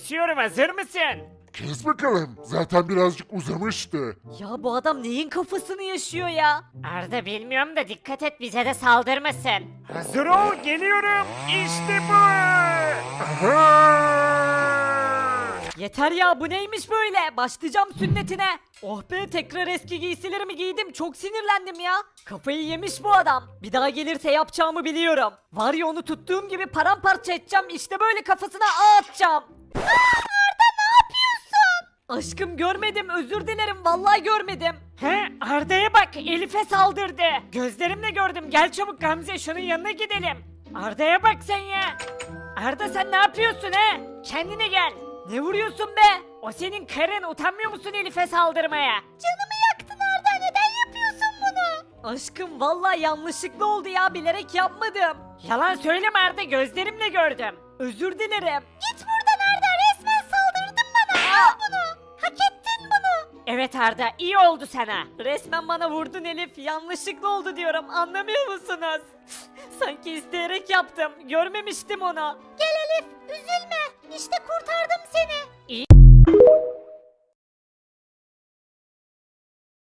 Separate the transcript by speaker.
Speaker 1: kesiyorum, hazır mısın?
Speaker 2: Kes bakalım. Zaten birazcık uzamıştı.
Speaker 3: Ya bu adam neyin kafasını yaşıyor ya?
Speaker 1: Arda bilmiyorum da dikkat et bize de saldırmasın. Hazır ol, geliyorum. İşte bu.
Speaker 3: Yeter ya, bu neymiş böyle? Başlayacağım sünnetine. Oh be, tekrar eski giysilerimi giydim, çok sinirlendim ya. Kafayı yemiş bu adam. Bir daha gelirse yapacağımı biliyorum. Var ya, onu tuttuğum gibi paramparça edeceğim, işte böyle kafasına atacağım. Arda, ne yapıyorsun? Aşkım, görmedim, özür dilerim, vallahi görmedim.
Speaker 1: He, Arda'ya bak, Elif'e saldırdı. Gözlerimle gördüm, gel çabuk Gamze, şunun yanına gidelim. Arda'ya bak sen ya. Arda sen ne yapıyorsun he? Kendine gel.
Speaker 3: Ne vuruyorsun be?
Speaker 1: O senin karın, utanmıyor musun Elif'e saldırmaya?
Speaker 3: Canımı yaktın Arda, neden yapıyorsun bunu? Aşkım, vallahi yanlışlıkla oldu ya, bilerek yapmadım.
Speaker 1: Yalan söyleme Arda, gözlerimle gördüm.
Speaker 3: Özür dilerim.
Speaker 1: Git buradan Arda, resmen saldırdın bana. Al bunu. Hak ettin bunu. Evet Arda, iyi oldu sana.
Speaker 3: Resmen bana vurdun Elif, yanlışlıkla oldu diyorum, anlamıyor musunuz? Sanki isteyerek yaptım, görmemiştim onu.
Speaker 1: Gel Elif, üzülme. İşte kurtardım seni. İyi